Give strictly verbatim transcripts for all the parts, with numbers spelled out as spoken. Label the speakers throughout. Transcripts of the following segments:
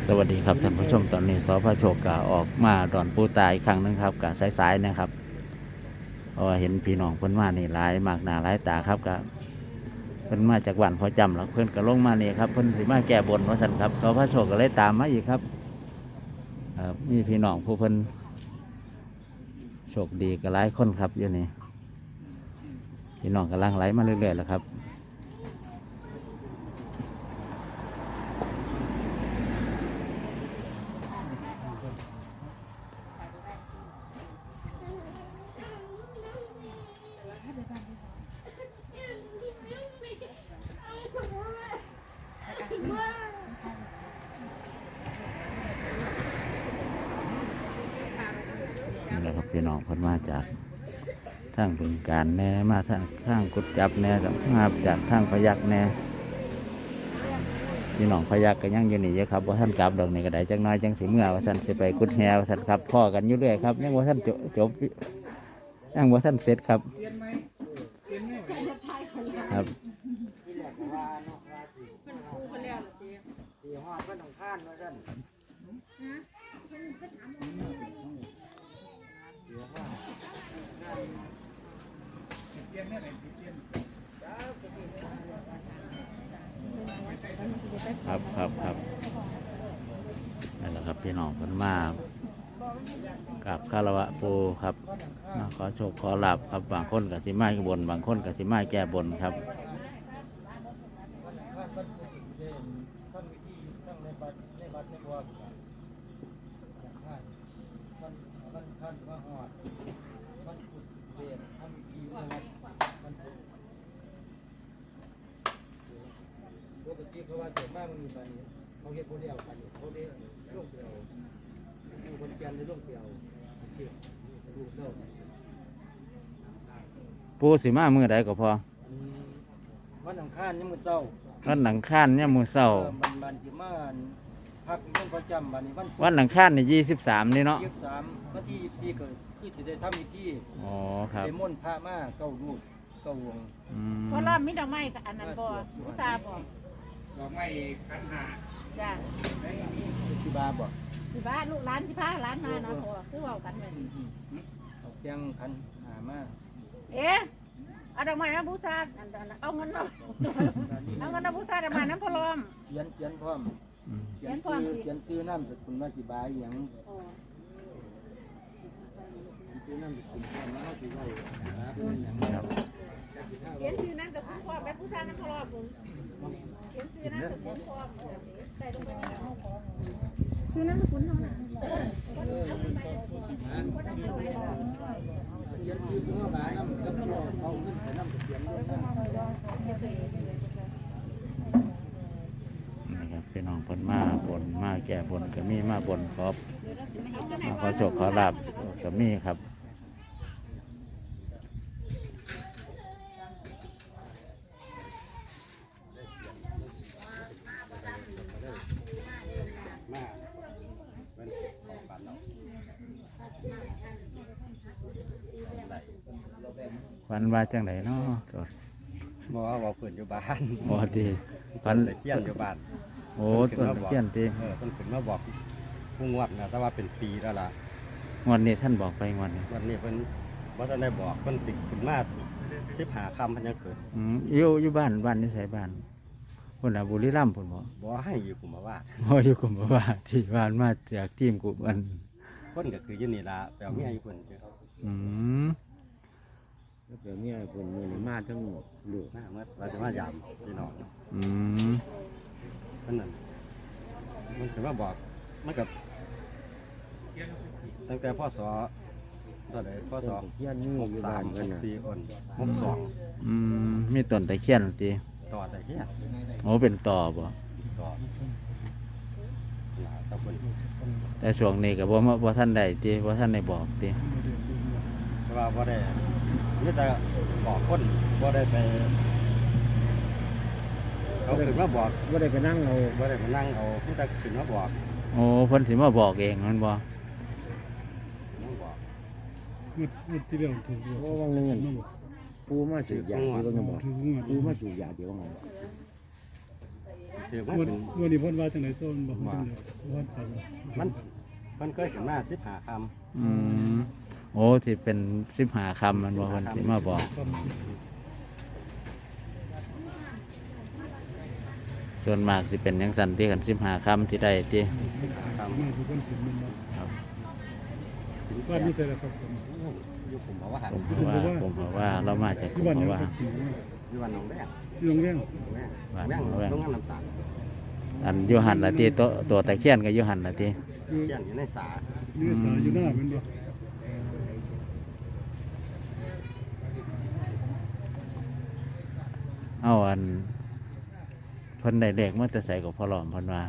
Speaker 1: สวัสดีครับท่านผู้ชมตอนนี้สพโชคกะออกมาดอนปูตายครั้งนึงครับกะสายๆนะครับเพราะว่าเห็นพี่น้องเพิ่นมานี่หลายมากหน้าหลายตาครับกะเพิ่นมาจากวันพอจำแล้วเพิ่นก็ลงมานี่ครับเพิ่นสิมาแก้บนว่าซั่นครับสพโชคก็เลยตามมาอีกครับมีพี่น้องผู้เพิ่นโชคดีก็หลายคนครับอยู่นี่พี่น้องกำลังไหลมาเรื่อยๆแล้วครับแล้วครับพี่น้องเพิ่นมาจากทางบึงกาฬแน่มาทางทางกุดจับแน่กับมาจากทางพยักแน่พี่น้องพยักก็ยังอยู่นี่เยอะครับว่าท่านกลับดอกนี่ก็ได้จังน้อยจังสิเมื่อว่าท่านสิไปกุดแฮว่าท่านครับพ่อกันอยู่เรื่อยครับยังว่าท่านจบจบยังว่าท่านเสร็จครับครับครับครับครับนั่นแหละครับพี่น้องคนมากับคารวะปูครับมาขอโชคขอลาบครับบางคนกับสิมาแก้บนบางคนกับสิมาแก้บนครับ
Speaker 2: เพราะว่าเกิดมากมันมีบันเขาเห็นคนเดียวกันเขาเรียกลูกเดียวอยู่คนเปลี่ยนในลูกเดียวลูกเดียว
Speaker 1: ปูสิมามือใดก็พอ
Speaker 2: วันอังคารนี่มือเศร้า
Speaker 1: วันหนังข้านเนี่ยมือเศร้า
Speaker 2: บันบันที่มาพักต้องประจำบันนี้วัน
Speaker 1: วันหนังข้านนี่ยี่สิบสามนี่เนาะ
Speaker 2: ยี่สิบสามวันที่ยี่สิบสี่ก็คือจะได้ทำพิธี
Speaker 1: อ๋อครับ
Speaker 2: ไปม่นพระมาเก้าลูกเก้าวง
Speaker 3: เพราะรอบมิดอกไม้กับอันนั้นบ่ผู้ชายบ่
Speaker 2: ดอกไม้ขันหา
Speaker 3: จ้า
Speaker 2: ที่บ้าบ่
Speaker 3: ที่บ้านลูกร้านที่พาร้านมาเนาะพอคือว่ากันเลย
Speaker 2: เอาเตียงขันหามา
Speaker 3: เอ๊ะเอาดอกไม้มาบูชาเอาเงินเนาะเอาเงินมาบูชาดอกไม้น้ำพลอม
Speaker 2: เขียนเขียนพร้อมเขียนชื่อเขียนชื่อน้ำสกุลว่าสิบายอย่างชื่อน้ำสกุลพร้อมแล้วสิได้
Speaker 3: เขียนชื่อนั่นกับคุณพ่อแบบผู้ชายน้ำพลอมเขียนชื่อนั่นกับคุณพ่อใส่ลงไปชื่อนั่นกับคุณเขาน่ะ
Speaker 2: เขียนชื่อพ่อบายน้ำกับพ่อเขาขึ้นแต่น้ำเขียนด้วย
Speaker 1: นะครับพี่น้องคนมาบนมาแก่บนก็มีมาบนครับมาขอโชคขอลาบก็มีครับวันว่าจังไหนเนาะ
Speaker 2: บอกว่าบอกเพื่อนอยู่บ้าน
Speaker 1: บอดี
Speaker 2: วันเที่ยนอยู่บ้าน
Speaker 1: โอ้ต้นเที่ยนตี
Speaker 2: เออต้นขึ้นมาบอกผู้งวดนะแต่ว่าเป็นปีแล้วล่ะ
Speaker 1: วันนี้ท่านบอกไปวันนี้
Speaker 2: วันนี้เพิ่นว่าท่านได้บอกเพิ่นติดขึ้นมาสิบหาคำพันยังเกิด
Speaker 1: อืมอยู่อยู่บ้านบ้านนี่ใส่บ้านคนอ่ะบุรีรัมย์ผมบอก
Speaker 2: บอกให้อยู่กลุ่มว่า
Speaker 1: บ่อยู่กลุ่มว่าที่บ้านมาจากทีมกลุ่มอัน
Speaker 2: คนก็คือยืนนี่ละแต่เอาเมียอยู่คน
Speaker 1: อืม
Speaker 2: เดี๋ยวนี้คนมือนี่มาทั้งหมดหลุดมาเมื่อเราจะมายามพี่น้อง
Speaker 1: อืม
Speaker 2: นั่นนั่นมันถือว่าบอกมันกับตั้งแต่พ่อสอตอนไหนพ่อสองหกสามหกสี่คนหกสอง
Speaker 1: อืมมีต้นตะเคียนตี
Speaker 2: ต่อตะเคียน
Speaker 1: โอ้เป็นต่อบ่
Speaker 2: ต่อ
Speaker 1: แต่ช่วงนี้กับว่าว่าท่านใดตีว่าท่านได้บอกตี
Speaker 2: ว่าว่าได้นี่แต่บอกคนว่าได้ไปเขาถึงมาบอกว่าได้ไปนั่งเอาว่าได้ไปนั่งเอานี่แต่ถึงมาบอก
Speaker 1: โอ้เพิ่นถึงมาบอกเองมันบ่
Speaker 2: มุดมุดที่เรื่องถูกโอ้วังเงินปูมาสูบยาที่ว่าไงบอกปูมาสูบยาที่ว่าไง
Speaker 4: ถือว่า
Speaker 5: วัน
Speaker 4: เป็น
Speaker 5: วันนี้เพิ่นว่าจังได๋ต้นบอกว่าจังได๋ว่าฝัน
Speaker 4: มันมันเคยขึ้นมาสิบห้าค
Speaker 1: อืมโอ้ที่เป็นสิบหาคำมันบอกคนที่มาบอก
Speaker 5: ความ
Speaker 1: ส่วนมากสิเป็นยังสันที่กันสิบหาคำที่ได้ที่
Speaker 5: มาทุกคนสิมันบ่
Speaker 1: ครับ
Speaker 4: ำ
Speaker 5: บ้านนี้ใส่แล้วครับผม
Speaker 4: อยู่ผมบอกว่าหัน
Speaker 1: ผมเพราะว่าผมเพราะว่าเรามาจาก
Speaker 5: ที่
Speaker 1: ผม
Speaker 5: บ้าน
Speaker 1: เพ
Speaker 5: นี้
Speaker 1: ราะว่า
Speaker 5: ครับ
Speaker 4: อยู่วันหนองแดง
Speaker 5: ที่โรงเรียน
Speaker 4: หนองแดงหนองแดงโรงงานน้ำตาล
Speaker 1: อันอยูหันละที่ตัวตัวตะเคียนกับยูหันละที่
Speaker 5: อยู่
Speaker 4: เที่ยงอยู่ในสา
Speaker 5: นี่สาอยู่หน้าแม่นบ่
Speaker 1: เอาอันเพิ่นได้เด็กเมื่อจะใส่กับพ่อหลอมเพิ่นว่า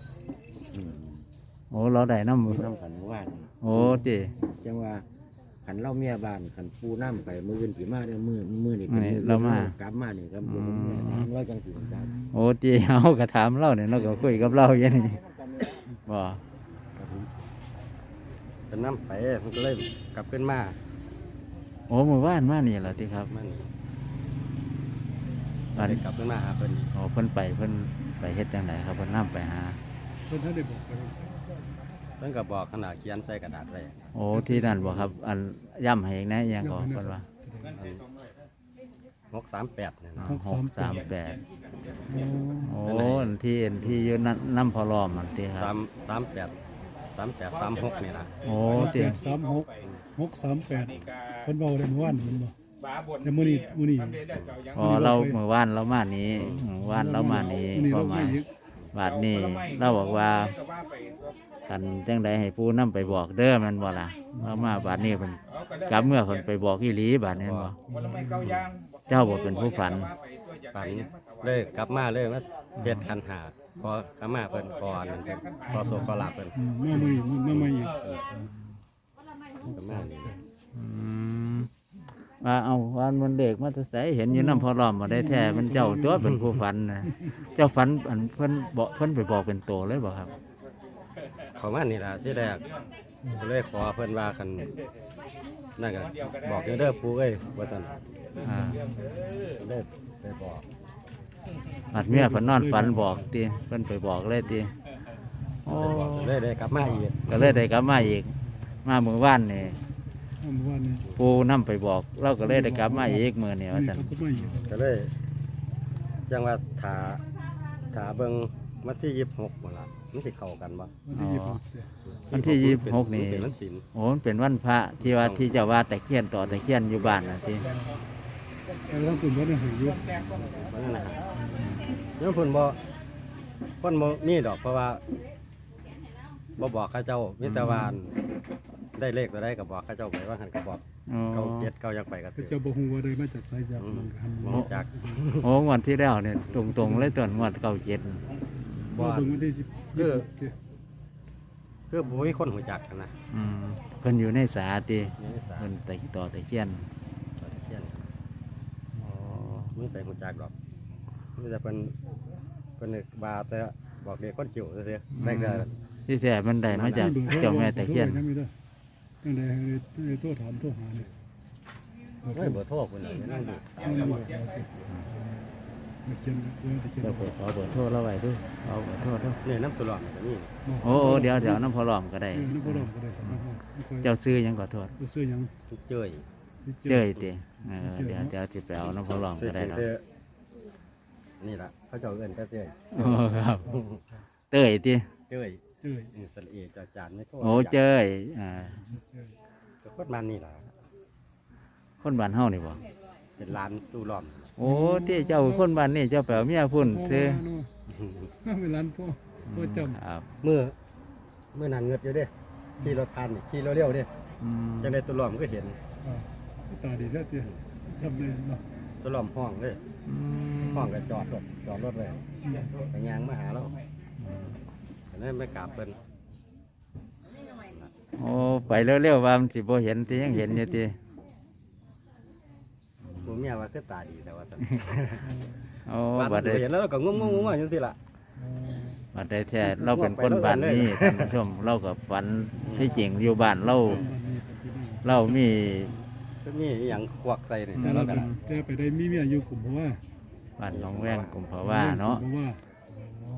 Speaker 1: โอ้เราได้น้ำ
Speaker 6: น้ำขันว่าน
Speaker 1: โอ้จี
Speaker 6: จังว่าขันเล่าเมียบ้านขันปูน้ำไปมืออื่นผีมาเด้อมือมือนี่
Speaker 1: นี่เรามาก
Speaker 6: ลับมานี่ครับผมเราจังสิครับ
Speaker 1: โอ้จีเอากระถามเล่าเนี่ยเราก็คุยกับเราอย่างนี้บ่
Speaker 4: เป็นน้ำไปมันก็เลยกลับขึ้นมา
Speaker 1: โอ้มือว่านมานี่แหละที่ครับ
Speaker 4: มัน
Speaker 1: อัน
Speaker 4: ได้กลับขึ้นมาหาเพิ่น
Speaker 1: โอ้เพิ่นไปเพิ่นไปเฮ็ดจังไดครับเพิ่นนำไปหา
Speaker 5: เพิ่นท่านได้บอกไป
Speaker 4: เพิ่นก็บอกขนาดเขียนใส่กระดาษไว้
Speaker 1: โอ้ที่นั่นบ่ครับ อันย่ำให้อีกนะอยังก็เพิ่นว่า
Speaker 4: หกสามแปดเนี่ยนะ
Speaker 1: หกสามแปดโอ้อันที่อันที่อยู่นั่นน้ำพอล้อมอันที่ค
Speaker 4: สา
Speaker 1: รับ
Speaker 4: มสามแปดสามแปดสามหกนี่นะ
Speaker 1: โอ้
Speaker 5: แป
Speaker 1: ที่
Speaker 5: ดสามหกหกสามแปดเพิ่นเว้าได้เมื่อวานเพิ่นบ่แต่มื้อนี้มื้อนี้
Speaker 1: พอเราเมื่อวานเรามานี้เมื่อวานเรามานี้
Speaker 5: มื้อนี้
Speaker 1: ก็
Speaker 5: เรา
Speaker 1: มา
Speaker 5: ไม่อีก
Speaker 1: บาดนี้เราบอกว่ากันจังใดให้ผู้นํไปบอกเด้อแมันบ่ล่ะเรามาบาดนี้เพิ่นกลับเมื่อเพิ่นไปบอกอีหลีบาดนี้บ่เจ้าบ่เป็นผู้ฝัน
Speaker 4: ฝันเลยกลับมาเลยว่าเฮ็ดคันหาพอกลับมาเพิ่นก่อนเพิ่นพอโซกอลาเพิ่น
Speaker 5: อืมมามื้อนี้มาใหม่อีก
Speaker 4: กลับมานี่
Speaker 1: อืมว่าเอาวันมันเด็กมาแต่ไสเห็นอยู่น้ำพอล้อมมาได้แท้มันเจ้าตัวเป็นผู้ฝันนะเจ้าฝันอันเพิ่นบอกเพิ่นไปบอกเป็นโตเลยบ่ครับ
Speaker 4: เขามานี่ล่ะที่แรกก็เลยขอเพิ่นว่าคันนั่นก็บอกเด้อเด้อปู่เอ้ยว่าซั่น
Speaker 1: อ่า
Speaker 4: เลยไปบอก
Speaker 1: อัดเมียเพิ่นนอนฝันบอกติเพิ่นไปบอกเลยติโอ้
Speaker 4: ไปบอกเลยได้กลับมาอีก
Speaker 1: ก็เลยได้กลับมาอีก มาเมื่อวานนี่
Speaker 5: เมื่อวานนี้
Speaker 1: ปูนํไปบอก เราก็เลยได้กลับมาอีกมื้อนี้ว่าซั่น
Speaker 5: เขาก็มาอีก
Speaker 4: ก็เลยจังว่าถาถาเบิ่งวันที่ยี่สิบหกบ่ล่ะมันสิเข้ากันบ่
Speaker 5: วันที่ยี่สิบหกเด้อ
Speaker 1: วันที่ยี่สิบหกนี่
Speaker 4: เป็นวันศีล
Speaker 1: โอ้มันเป็นวันพระที่ว่าที่เจ้าว่าตะเคียนต่อตะเคียนอยู่บ้านน่ะติ
Speaker 5: แต่ทั้งปุ่นวัดเนี่ยให้อยู่
Speaker 4: ว่านั่นนะเดี๋ยวเพิ่นบ่เพิ่นบ่มีดอกเพราะว่าบ่บอกเขาเจ้ามีแต่ว่าได้เลขตัวใดก็บอกเขาเจ้าไปว่าหันก็บอก
Speaker 1: อ๋อ
Speaker 4: เก้าเจ็ดเก้ายังไปก็
Speaker 5: แต่
Speaker 4: ถือ
Speaker 5: เจ้าบ่ฮู้ว่าได้มาจากไสจาก
Speaker 4: อื
Speaker 5: ห
Speaker 4: ม
Speaker 5: มันหัน
Speaker 4: บ่
Speaker 5: บ่
Speaker 4: รู้จัก
Speaker 1: โอ้งวดที่แล้วเนี่ยตรงๆเลยต้นงวดเก้าเจ็ด
Speaker 5: บ่
Speaker 4: บ่
Speaker 5: เบิ่งวันที่สิบ
Speaker 4: คือ
Speaker 5: ยี่สิบหกเด้อ
Speaker 4: คือบ่มีคนรู้จักกันนะ
Speaker 1: อืมเพิ่นอยู่ในสาติ
Speaker 4: นี่สา
Speaker 1: เพิ่นตะต่อตะเคียน
Speaker 4: เที่ยง
Speaker 1: อ๋อ
Speaker 4: มึงไปรู้จักดอกมีแต่เพิ่นเพิ่นนึกว่าแต่บอกเด็กคนจิ๋วซื่อๆได้แต่
Speaker 1: ที่แท้มันได้มาจากเจ้าแม่ตะเคียน
Speaker 5: จังได๋จังได๋ให้โทรถามโทรหาเนี่ย
Speaker 4: เฮ้ยเบอร์โทรเพิ่นน่ะนั่งดู
Speaker 5: เอาบ่เอาสิมาเจนเรื่องสิเจน
Speaker 1: เดี๋ยวผมขอเบอร์โทรเราไว้ด้วยเอาเบอร์โทรเด้อ
Speaker 4: นี่น้ำตุลอดก็มี
Speaker 1: โอ้โอ้เดี๋ยวเดี๋ยวน้ำพอหลอมก็ได้
Speaker 5: เออนึกบ่รอมก็ได้ครับ
Speaker 1: เจ้าซื้อหยังขอโทษ
Speaker 5: ซื้อหยัง
Speaker 4: ทุกเจ้ย
Speaker 1: เจ้ยติเออเดี๋ยวเดี๋ยวสิไปเอาน้ำพอหลอม
Speaker 4: ซื้อ
Speaker 1: ก็ได้ครับ
Speaker 4: ซื้อนี่ล่ะเขาเจ้าเอิ้นก็เจ้ย
Speaker 1: โอ้ครับเต้ยติ
Speaker 4: เจ้ย
Speaker 5: เจ้ย
Speaker 4: นี่สระเอจอจานไม่โทษ
Speaker 1: โอ้เจ้ยอ่า
Speaker 4: ก็โคตรมันนี่ล่ะ
Speaker 1: คนบ้านเฮานี่บ่
Speaker 4: เป็นร้านตู้ล้อม
Speaker 1: โอ้ที่เจ้าคนบ้านนี่เจ้าแปลเมียพุ่นซื้อ
Speaker 5: น่าเป็นร้านพ่อพ่อจำ
Speaker 1: ครับ
Speaker 4: มือมือนันเงือดอยู่เด้ขี่รถพันนี่ขี่เร็วๆเด้
Speaker 1: อืม
Speaker 4: จังได้ตู้ล้อมก็เห็น
Speaker 5: ตาดีแท้เตี้ยจำเลยเนาะ
Speaker 4: ตู้ล้อมห้องเลย
Speaker 1: อืม
Speaker 4: ห้องก็จอดรถจอดรถเลยไปยางมาหาเราอันนั้นไม่กราบเพิ่น
Speaker 1: โอ้ไปเร็วๆว่ามันสิบ่เห็นที่ยังเห็นอยู่ติ
Speaker 4: ผมเมียว่าคือตาดีแต่ว่าสั่น
Speaker 1: โอ้
Speaker 4: บ้าน
Speaker 1: บั
Speaker 4: มั
Speaker 1: ด
Speaker 4: นสิ
Speaker 1: ได้
Speaker 4: ไปเห็นแล้วเราก็งงงงๆจังซี่ล่ะ
Speaker 1: บัดได้แท้เราเป็นคนบ้านนี้ท่านผู้ชมเรากับฝันที่จริงอยู่บ้านเราเรามี
Speaker 4: ก็มีอหย่างควักใส่นี่
Speaker 5: แต่
Speaker 4: แต่
Speaker 5: เรา
Speaker 4: เราก็
Speaker 5: เป็น
Speaker 4: ได้
Speaker 5: แต่ไปได้มีเมียอยู่กลุ่มเพราะว่า
Speaker 1: บ้านหนองแวงกุมภาวะเนาะ
Speaker 5: เพราะว่า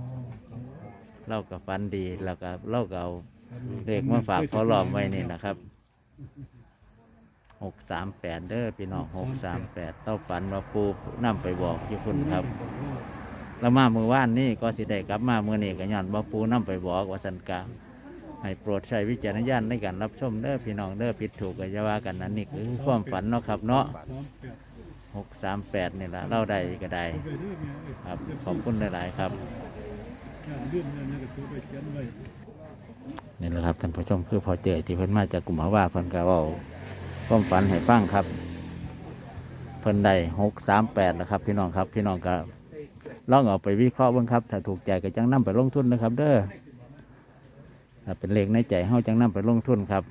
Speaker 1: เล่ากับฟันดีแล้วก็เล่าก็เอาเลขมาฝากพอหลอมไว้นี่นะครับหกสามแปดเด้อพี่น้องหกสามแปดเต้าฝันว่าปูนำไปบอกที่คุณครับ แล้วมาเมื่อวานนี่ก็สิได้กลับมาเมื่อนี้ก็ย้อนว่าปูนำไปบอกว่าสันกาให้โปรดใช้วิจารณญาณในการรับชมเด้อพี่น้องเด้อผิดถูกก็จะว่ากันนั่นนี่คือความฝันเนาะครับเนาะ
Speaker 5: สามแปด
Speaker 1: หกสามแปดนี่ละเล่าได้ก็ได้
Speaker 5: เอาไปเด้อแม่เอ้ย
Speaker 1: ครับขอบคุณหลายๆครับ
Speaker 5: ย่านเรื่องนั้นก็ตัวไปเขียนไว้
Speaker 1: นี่แหละครับท่านผู้ชมคือพอเจอที่เพิ่นมาจากกลุ่มหาว่าเพิ่นก็เว้าความฝันให้ฟังครับ เพิ่นได้หกสามแปดนะครับ พี่น้องครับ พี่น้องก็ลองเอาไปวิเคราะห์เบ้างครับ ถ้าถูกใจก็จังนำไปลงทุนนะครับ เด้อถ้าเป็นเลขในใจเฮาจังนำไปลงทุนครับ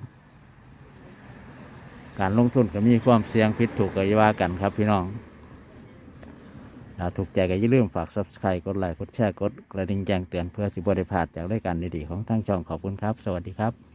Speaker 1: การลงทุนก็มีความเสี่ยงผิดถูกก็อย่าว่ากันครับ พี่น้องถ้าถูกใจก็อย่าลืมฝาก ซับสไครบ์ กดไลค์กดแชร์กดกระดิ่งแจ้งเตือนเพื่อสิบ่ได้พลาดจากรายการดีๆของทางช่องขอบคุณครับ สวัสดีครับ